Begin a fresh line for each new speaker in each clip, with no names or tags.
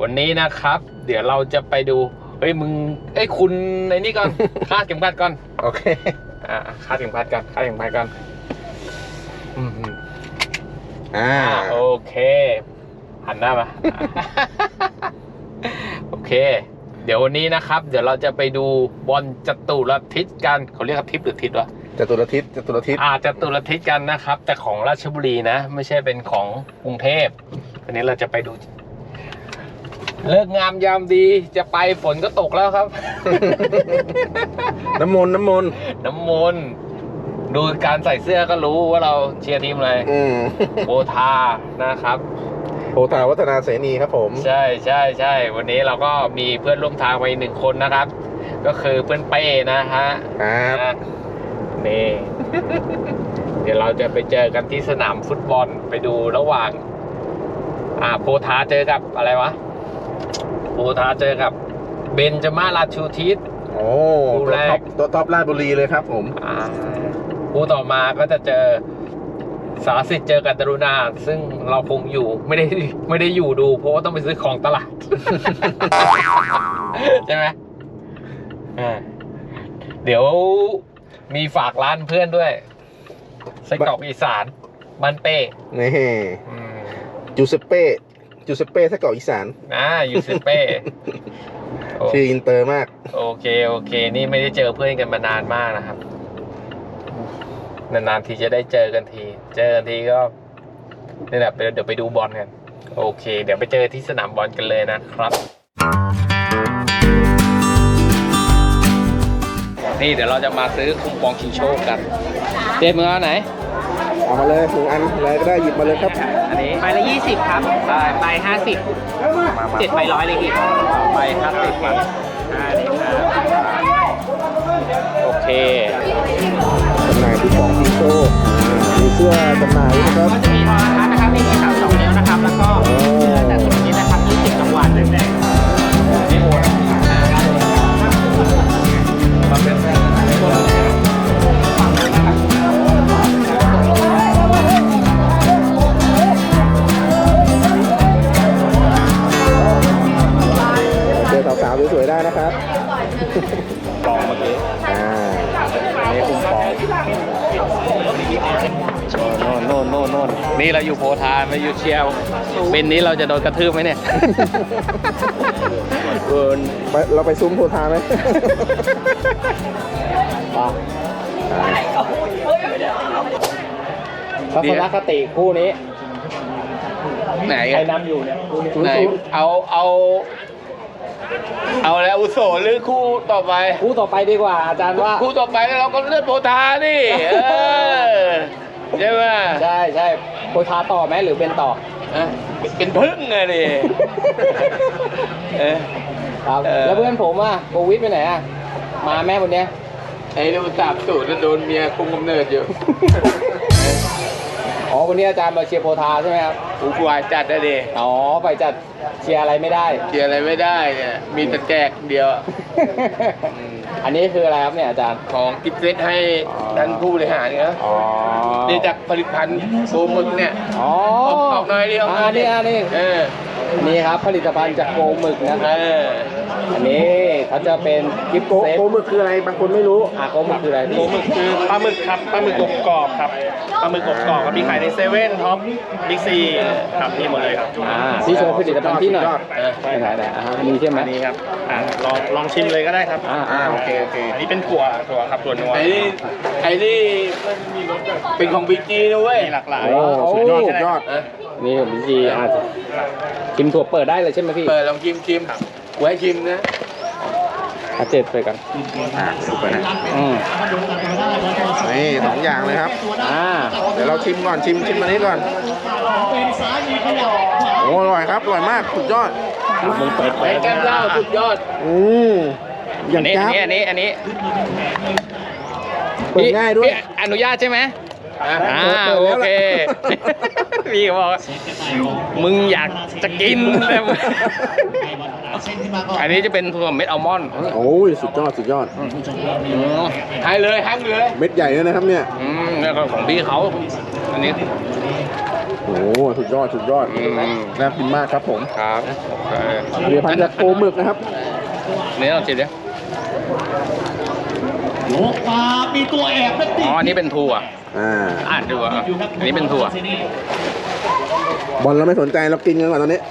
วันนี้นะครับเดี๋ยวเราจะไปดูเฮ้ยมึงคุณในนี่ก่อน คาดเข็มขัดก่อน
โอเค
คาดเข็มขัดก่อนโอเคหันหน้ามา โอเคเดี๋ยววันนี้นะครับเดี๋ยวเราจะไปดูบอลจตุรทิศกันเขาเรียกทิศหรือทิศวะ
จตุรทิศ
จตุรทิศกันนะครับแต่ของราชบุรีนะไม่ใช่เป็นของกรุงเทพวันนี้เราจะไปดูเลิกงามยามดีจะไปฝนก็ตกแล้วครับ
น้ำมนต์
ดูการใส่เสื้อก็รู้ว่าเราเชียร์ทีมอะไรโบทานะครับ
โบทาวัฒนาเสนีครับผม
ใช่วันนี้เราก็มีเพื่อนร่วมทางไป1 คนนะครับก็คือเพื่อนเป้นะฮะ
ครับ
นี่เดี๋ยวเราจะไปเจอกันที่สนามฟุตบอลไปดูระหว่างโบทาเจอกับอะไรวะโบทาเจอกับเบนจมาราชูทิศ
โอ้ตัวท็อปราชบุรีเลยครับผม
คู่ต่อมาก็จะเจอสารสิทธิ์เจอกับดารุณาซึ่งเราคงอยู่ไม่ได้อยู่ดูเพราะว่าต้องไปซื้อของตลาด ใช่ไหมเดี๋ยวมีฝากร้านเพื่อนด้วยไส้กรอกอีสานบ้านเป้
นี่จูเซเป้ไส้กรอกอีสาน
ยูเซเป้
ชื่ออินเตอร์มาก
โอเคนี่ไม่ได้เจอเพื่อนกันมานานมากนะครับนานๆทีจะได้เจอกันทีก็นี่แหละเดี๋ยวไปดูบอลกันโอเคเดี๋ยวไปเจอที่สนามบอลกันเลยนะครับนี่เดี๋ยวเราจะมาซื้อคูปองชิงโชคกันเจ๊มึงเอาไหน
เอามาเลย1 อันอะไรก็ได้หยิบมาเลยครับ
อันนี้
ใบละ20ครับใบ50 7 ใบ100เลยพี่
ใบ50ครับโอเค
จำหน่ายที่ของชิงโชคมีเสื้อจำหน่ายนะครับ
ก็จะมีโทรทัศน์นะครับมีเสา2 นิ้วนะครับแล้วก็แต่ส่วนนี้นะครับ20 รางวัลแดงๆนี่โอน
มาเป็นสาวๆสวยๆได้นะครับ
ปองเมื่อกี้นี่คุ้มปองโน่นนี่เราอยู่โพธาไม่อยู่เชียวเป็นนี้เราจะโดนกระทืบไหมเนี่ย
เราไปซุ้มโพธาไหม
ทัศนคติคู่นี้ไหนใครนำอยู่เนี่ยไหนเอาแล้วอุโสหรือคู่ต่อไปดีกว่าอาจารย์ว่าคู่ต่อไปเราก็เลือกโพธาดิใช่ไหมใช่โพธาต่อไหมหรือเป็นต่อเป็นพึ่งไงดิครับแล้วเพื่อนผมโควิดไปไหนมาแม่วันนี้ไอ้ลูก30แล้วโดนเมียคุมกำเนิดอยู่อ๋อวันนี้อาจารย์มาเชียร์โพธาใช่ไหมครับกูวายจัดได้ดิอ๋อไปจัดเชียร์อะไรไม่ได้เนี่ยมีแต่แจกเดียวอันนี้คืออะไรครับเนี่ยอาจารย์ของกิฟต์เซตให้ท่านผู้บริหารเนี่ยนี่จากผลิตภัณฑ์โซมึกเนี่ยออกหน่อยเดียวนี่ครับผลิตภัณฑ์จากโกหมึกนะครับอันนี้เขาจะเป็นกิฟต์เซต
โกหมึกคืออะไรบางคนไม่รู้
โกหมึกคืออะไร
โกหมึกคือปลาหมึกครับปลาหมึกกรอบครับปลาหมึกกรอบครับมีขายในเซเว่นท็อปบิ๊กซีครับมีหมดเลยครับ
ที่โชว์ผลิตภัณฑ์ที่หน่อยไหนมีใช่ไหม
นี่ครับลองชิมเลยก็ได้ครับ
โอเค
อันนี้เป็นถั่วครับถั่วนัว
ไอ้นี่เป็นของบิ๊กซีนะเว้ย
หลากหลาย
สุดยอด
นี่ของบิ๊กซีชิมถั่วเปิดได้เลยใช่ไหมพี่
เปิดลองชิมกูให้ชิมนะ
7ไปกัน
ดูไปนะนี่2 อย่างเลยครับเดี๋ยวเราชิมก่อนชิมอันนี้ก่อนโอ้อร่อยครับอร่อยมากสุดยอด
มึงเปิดไปแก้มเหล้าสุดยอด
อย่างนี้
อันนี้
เปิดง่ายด้วย
อนุญาตใช่ไหมโอเคพี่บอกมึงอยากจะกินอันนี้จะเป็นถั่วเม็ดอัลมอนด์
โอ้ยสุดยอด
ให้เลย
เม็ดใหญ่เลยนะครับเนี่ย
แล้วก็ของพี่เขาอันนี้
โอ้สุดยอดสุดยอดน่ากินมากครับผม
ครับ
ผลิตภัณฑ์จากโกหมึกนะครับ
นี่ลองชิมดิ
โยกมามีตัวแอบนัก
อ๋ออันนี้เป็นถั่ว
อ่า
ดูอ่ะอันนี้เป็นถั่ว
บอลเราไม่สนใจเรากินกันก่อนตอนนี้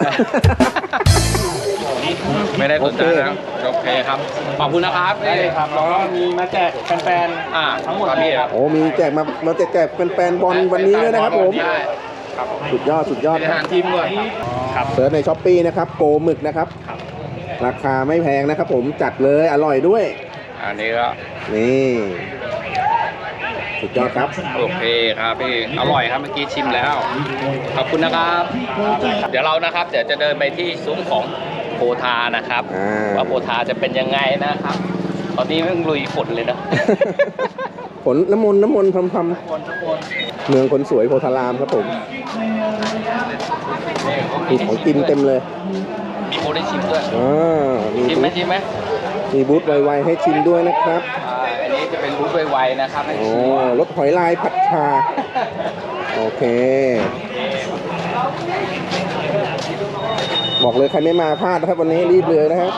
ไม่ได้สนใจแล้วโอเคครับ ขอบคุณนะครับ
ได้เลยครับแล้วก็มีมาแจกแฟน
ทั้งหมดพี่ครับ
โอ้มีแจกมาแจกแฟนๆบอลวันนี้ด้วยนะครับผม
ได้
สุดยอดสุดยอด
เป็น
ค
อา
รั
หา
บ
รทีมด้วย
ครับ
เสิร์ชในช้อปปี้นะครับโกหมึกนะครับ ราคาไม่แพงนะครับผมจัดเลยอร่อยด้วย
อันนี้ก็
นี่สุดยอดครับ
โอเคครับพี่ อร่อยครับเมื่อกี้ชิมแล้ว ขอบคุณนะครับ เดี๋ยวเรานะครับเดี๋ยวจะเดินไปที่ซุ้มของโพธานะครับ ว่าโพธาจะเป็นยังไงนะครับ ตอนนี้มันลุยฝนเลยนะ
ผลน้ำมนต์พรำเมืองคนสวยโพธารามครับผมมีของกินเต็มเลย
มีโพได้ชิมด้วย
มี
ชิมไหมชิมไหม
มีบูธไวๆให้ชิมด้วยนะครับ
อันนี้จะเป็นบูธไวๆนะครับให้
โอ้
ชิม
รสหอยลายผัดชาโอเค บอกเลยใครไม่มาพลาดนะครับวันนี้รีบเลยนะครับ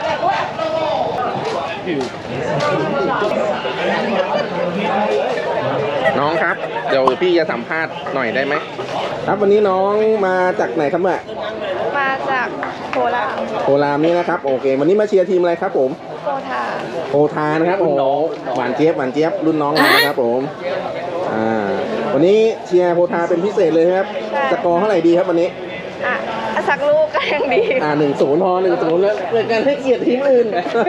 น้องครับเดี๋ยวพี่จะสัมภาษณ์หน่อยได้ไหมครับวันนี้น้องมาจากไหนครับแม่
มาจากโคราช
โครามนี่นะครับโอเค วันนี้มาเชียร์ทีมอะไรครับผม
โคทา
โพธานะครับโอ้โหหวานเจี๊ยบรุ่นน้องเรานะครับผมวันนี้เชียร์โพธาเป็นพิเศษเลยครับสกอร์เท่าไหร่ดีครับวันนี้
อ่ะสักลูกก็ยังดี
1-0 พอ 1-0 แล้วเกิดการให้เกียรติทีมอื่น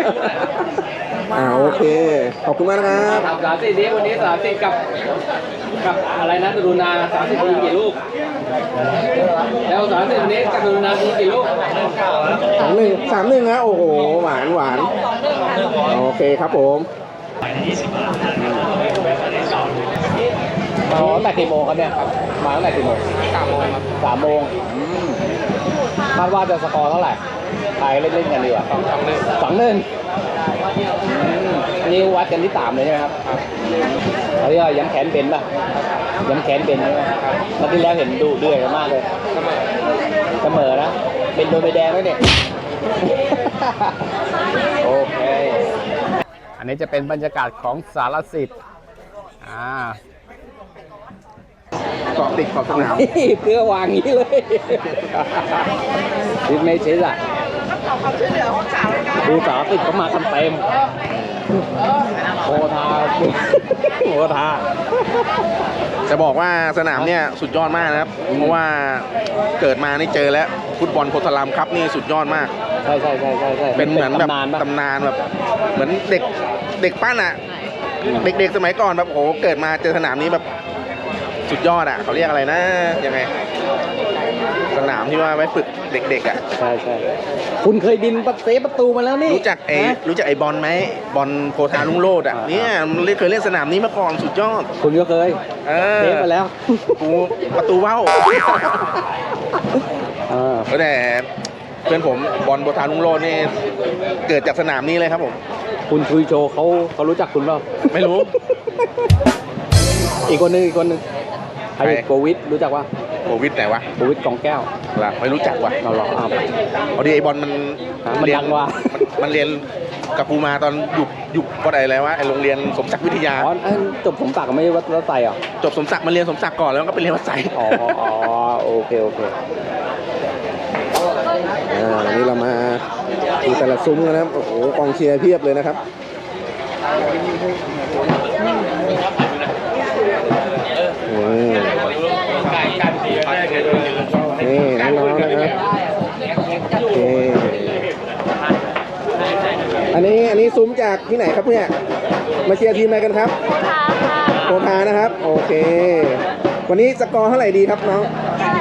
โอเค ขอบคุณมากนะครับ
30นี้วันนี้30กับอะไรนะดูนา30มีกี่ลูก แล้ว30นี้กับดูนามีกี่ลูก
3-1นะโอ้โห หวาน โอเคครับผม
ตั้งแต่กี่โมงครับเนี่ยครับมาตั้งแต่กี่โมง3 โมงครับ3 โมงคาดว่าจะสกอร์เท่าไหร่ทายเล่นๆกันดีกว่า2-1อันนี้วัดกันที่3เลยใช่ไหมครับเขาเรียกว่าย้ำแขนเป็นป่ะย้ำแขนเป็นใช่ไหมนัดที่แล้วเห็นดูเดือดกันมากเลยเสมอนะเป็นโดนใบแดงแล้วเนี่ย โอเค อันนี้จะเป็นบรรยากาศของสารสิทธิ์
เกาะติดขอบสนาม
เพื่อวางงี้เลยดิไม่ใช่ละดูสาวติดเขามากันเต็มโพธา
จะบอกว่าสนามเนี่ยสุดยอดมากนะครับ เพราะว่าเกิดมานี่เจอแล้วฟุตบอลโพธารามครับนี่สุดยอดมาก
ใช่
เป็นเหมือนแบบ
ตำนานปะ
ตำนานแบบเหมือนเด็กปั้นอ่ะ เด็กๆสมัยก่อนแบบโอ้โหเกิดมาเจอสนามนี้แบบสุดยอดอ่ะเขาเรียกอะไรนะยังไงสนามที่ว่าไว้ฝึกเด็กๆอ่ะ
ใช่คุณเคยบินเซฟประตูมาแล้วนี่
รู้จักไอ้บอลไหมบอลโพธาลุงโลดอ่ะเนี่ยมันเคยเล่นสนามนี้มาก่อนสุดยอด
คุณก็เคยเซฟมาแล้ว
ประตูว่าวแต่เพื่อนผมบอลโพธาลุงโลดนี่เกิดจากสนามนี้เลยครับผม
คุณคุยโชว์เขารู้จักคุณเปล่า
ไม่รู้
อีกคนนึงใครโควิดรู้จักว่า
โควิดไหนวะ
โควิดกองแก้ว
ล่ะไม่รู้จักว่ะ
เราหรอ
พอดีไอ้บอลมัน
มันดังว่ะ
มันเรียนกับปูมาตอนอยู่ก็ได้อะไรวะไอ้โรงเรียนสมศักดิ์วิทยา
จบสมศักดิ์ไม่ใช่วัดไซเหรอ
จบสมศักดิ์มันเรียนสมศักดิ์ก่อนแล้วก็ไปเรียนวัดไซ
อ๋อโอเค
วันนี้เรามาดูแต่ละซุ้มกันนะครับโอ้โหกองเชียร์เพียบเลยนะครับนี่น้องๆนะครับโอเคอันนี้ซุ้มจากที่ไหนครับเนี่ยมาเชียร์ทีมอะไรกันครับโพธานะครับ โอเควันนี้สกอร์เท่าไหร่ดีครับน้อง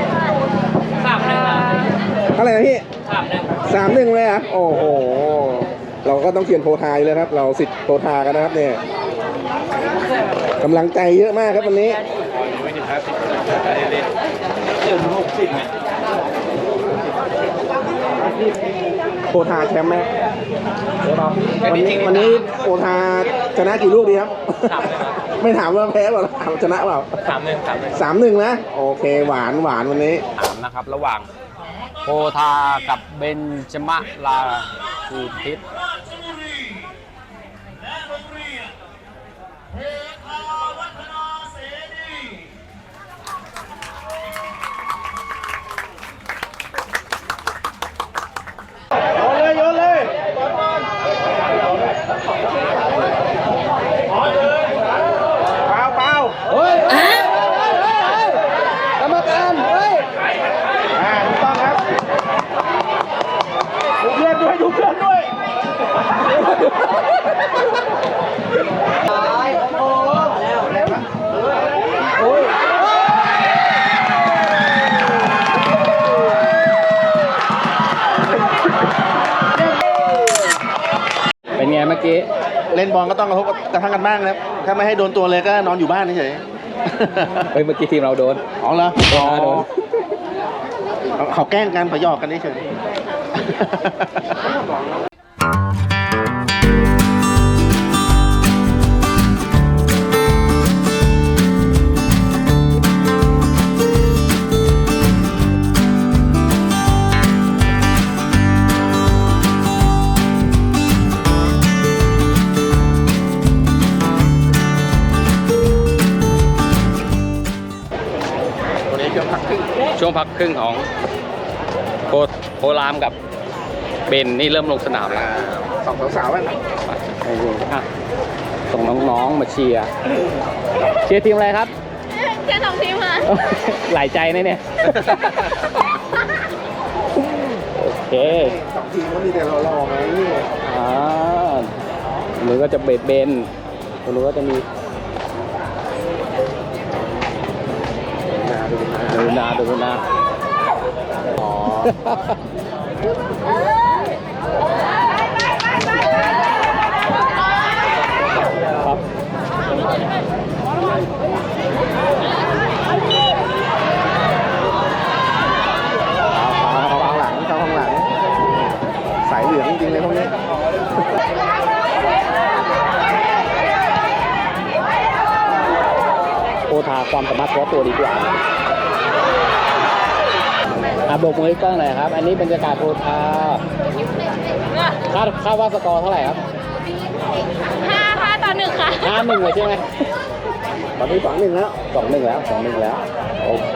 เท่าไหร่นะพี่3-1เลยอ่ะโอ้โหเราก็ต้องเชียร์โพธาเลยครับเราสิทธิ์โพธากันนะครับเนี่ยกำลังใจเยอะมากครับวันนี้โพธาแชมป์ไหมวันนี้โพธาชนะกี่ลูกดีครับไม่ถามว่าแพ้เปล่าถามชนะเปล่า 3-1 นะ โอเค หวานวันนี้
ถามนะครับระหว่างโพธากับเบนจมะลาคูทิศ
โยนเลยเปล่า
เฮ้ยกรรมการเฮ้ย
ถูกต้องครับดูเพื่อนด้วย
เป็นไงเมื่อกี้
เล่นบอลก็ต้องกระทบกระทั่งกันบ้างนะครับ ถ้าไม่ให้โดนตัวเลยก็นอนอยู่บ้านเฉย
เฮ้ยเมื่อกี้ทีมเราโดน
ๆ อ๋อเหรอ
โดน
เขาแกล้งกันเขาหยอกกันเฉยวันนี้ช่วงพักครึ่ง
ช่วงพักครึ่งของโพรามกับเบนนี่เริ่มลงสนามแล้ว
สองสาวๆกัน
อ่ะส่งน้องๆมาเชียร์ทีมอะไรครับ
แค่2 ทีมค่ะ
หลายใจนะเนี่ย โอเค
สองทีมก็มีแต่หล่อๆไง
หรือก็จะเบนหรือก็จะมีดูนา
อ๋อ
ครับ
เข้าข้างหลังสายเหลืองจริงๆเลยพวกนี้
โพธาความสามารถเฉพาะตัวดีกว่าโบกมือให้กล้องหน่อยครับ อันนี้บรรยากาศโพธาคาดว่าสกอร์เท่าไหร่ครับ
5-1 ค่ะ
5-1เลยใช่ไหม
ตอนนี้2-1แล้ว
2-1 แล้ว โอเค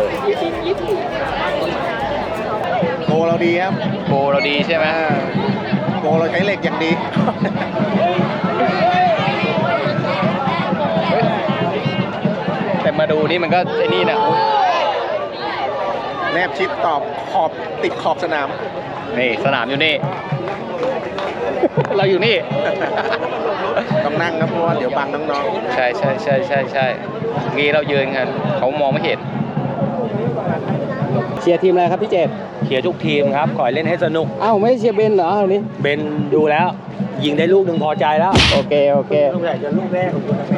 โกเราดีครับ
โกเราดีใช่ไหม
โกเราใช้เหล็กอย่างดี
แต่มาดูนี่มันก็ไอ้นี่นะ
แนบชิดตอบขอบติดขอบสนาม
นี่สนามอยู่นี่ เราอยู่นี่
ต้องนั่งครับเพราะว่าเดี๋ยวบังน้อง
ใช่งี้เรายืนกันเขามองไม่เห็นเชียร์ทีมอะไรครับพี่เจต
เชียร์ทุกทีมครับ ขอให้เล่นให้สนุก
อ้าวไม่เชียร์เบนเหรอวันนี้
เบนดูแล้ว ยิงได้ลูกหนึ่งพอใจแล้ว
โอเค
ลูกใหญ่จะลูกแรกของคุณนะ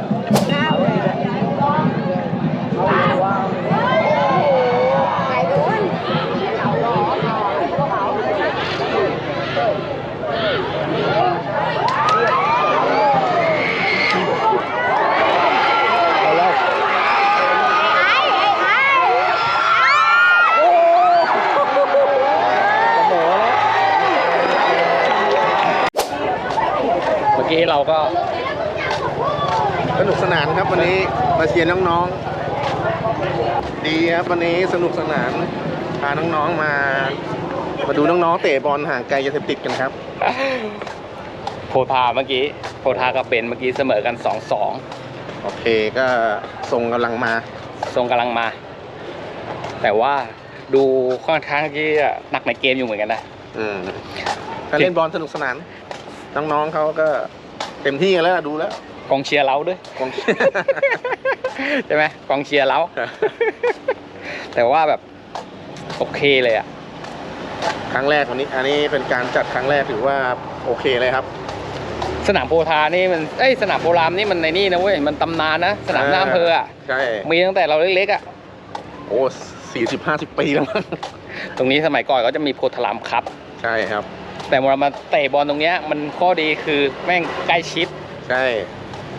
เมื่อกี้เราก็
ๆสนุกสนานครับวันนี้มาเชียร์น้องๆ ดีครับวันนี้สนุกสนานพาน้องๆมาดูน้องๆเตะบอลห่างไกลยาเสพติดกันครับ
โพธากับเบนเมื่อกี้เสมอกัน
โอเคก็ส่งกำลังมา
2-2ทรงกำลังมา แต่ว่าดูค่อนข้างที่จะหนักในเกมอยู่เหมือนกันนะ
ถ้าเล่นบอลสนุกสนาน น้องๆเขาก็เต็มที่กันแล้วดูแล้ว
กองเชียร์เราด้วย
กอง
ใช่ไหมกองเชียร์เรา แต่ว่าแบบโอเคเลยอ่ะ
ครั้งแรกวันนี้ อันนี้เป็นการจัดครั้งแรกถือว่าโอเคเลยครับ
สนามโพธานี่มันสนามโพรามนี่มันในนี่นะเว้ยมันตำนานนะสนามหน้าอำเภออ่ะ
ใช่
มีตั้งแต่เราเล็กๆอ่ะ
โอ้40-50 ปีแล้วมั้ง
ตรงนี้สมัยก่อนก็จะมีโพธารามครับ
ใช่ครับ
แต่เวลามาเตะบอลตรงเนี้ยมันข้อดีคือแม่งใกล้ชิด
ใช่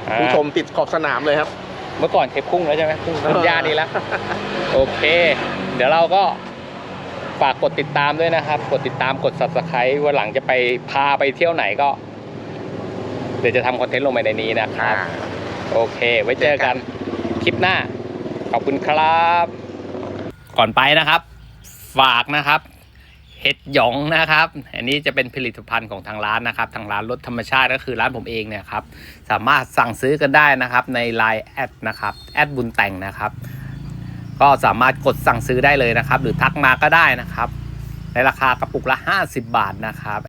ผู้ชมติดขอบสนามเลยครับ
เมื่อก่อนเทปพุ่งแล้วใช่ไหมพุ่งย่านนี้แล้ว โอเค เดี๋ยวเราก็ฝากกดติดตามด้วยนะครับ กดติดตามกด Subscribe วันหลังจะไปพาไปเที่ยวไหนก็ เดี๋ยวจะทำคอนเทนต์ลงไปในนี้นะครับ โอเค ไว้เจอกันคลิปหน้า ขอบคุณครับ ก่อนไปนะครับ ฝากนะครับ เห็ดหยองนะครับ อันนี้จะเป็นผลิตภัณฑ์ของทางร้านนะครับ ทางร้านรสธรรมชาติก็คือร้านผมเองเนี่ยครับ สามารถสั่งซื้อกันได้นะครับใน Line แอดนะครับแอดบุญแต่งนะครับ ก็สามารถกดสั่งซื้อได้เลยนะครับ หรือทักมาก็ได้นะครับ ในราคากระปุกละ50 บาทนะครับ